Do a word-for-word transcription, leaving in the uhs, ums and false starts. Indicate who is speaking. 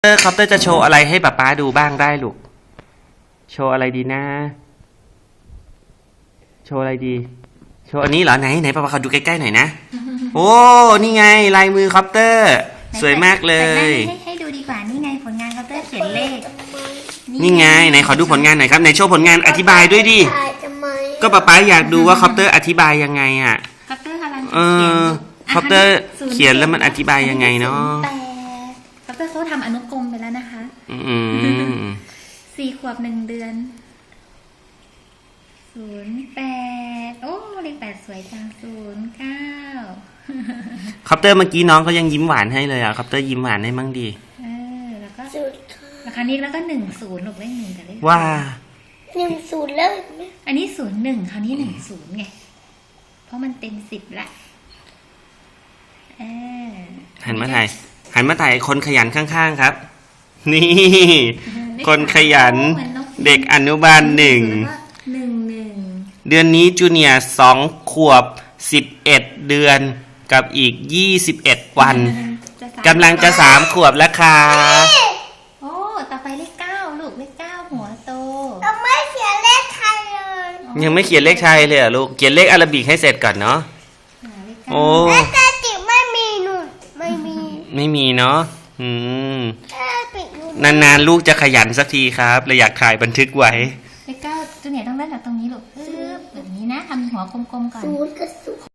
Speaker 1: อร์คอปเตอร์จะโชว์อะไรให้ป๊าป๊าดูบ้างได้ลูกโชว์อะไรดีนะโชว์อะไรดีโชว์อันนี้เหรอไหนไหนป๊าป๊าขอดูใกล้ๆหน่อยนะโอ้นี่ไงลายมือคอปเตอร์สวยมากเลย
Speaker 2: ให้ให้ดูดีกว่านี่ไงผลงานคอปเตอร์เขียนเลข
Speaker 1: นี่ไงไหนขอดูผลงานหน่อยครับไหนโชว์ผลงานอธิบายด้วยดิก็ป๊าป๊าอยากดูว่าคอปเตอร์อธิบายยังไงอ่ะ
Speaker 2: คอปเตอร์กำลัง
Speaker 1: เออคอปเตอร์เขียนแล้วมันอธิบายยังไงเนาะ
Speaker 2: แต่คอปเตอร์เขาทำอนุกรมไปแล้วนะคะ
Speaker 1: อืม
Speaker 2: สี่ขวบหนึ่งเดือนศูนย์แปดโอ้เลขแปดสวยจังศูนย์เก้า
Speaker 1: คอปเตอร์เมื่อกี้น้องเขายังยิ้มหวานให้เลยอ่ะคอปเตอร์ยิ้มหวานให้มั่งดี
Speaker 2: เออแล้วก็ราคานี้แล้วก็หนึ่งศูนย์หนูเลขหนึ่งกับเลข
Speaker 1: ว่า
Speaker 3: หนึ่งศูนย์แล้ว
Speaker 2: อันนี้ศูนย์หนึ่งคราวนี้หนึ่งศูนย์ไงเพราะมันเต็มสิบละเออ
Speaker 1: หันมาถ่ายหันมาถ่ายคนขยันข้างๆครับนี่คนขยันเด็กอนุบาลหนึ่ง
Speaker 2: หนึ่งหนึ่ง
Speaker 1: เดือนนี้จูเนียร์สองขวบสิบเอ็ดเดือนกับอีกยี่สิบเอ็ดวันกำลังจะสามขวบแล้วค่ะ
Speaker 2: โอ้ต่อไปเลขเก้าลูกเลขเก้าหัวโต
Speaker 3: ยังไม่เขียนเลขไทยเลย
Speaker 1: ยังไม่เขียนเลขไทยเลยเหรอลูกเขียนเลขอาราบิกให้เสร็จก่อนเนาะโอ้
Speaker 3: เลขจิ๋วไม่มีหนูไม่มี
Speaker 1: ไม่มีเนาะอืมนานๆลูกจะขยันสักทีครับเลยอยากถ่ายบันทึกไว้
Speaker 2: เลขเก้าจูเนียร์ต้องเริ่มจากตรงนี้ลูกปึ๊บแบบนี้นะทำหัวกลมๆก่อน
Speaker 3: ศูนย์กับส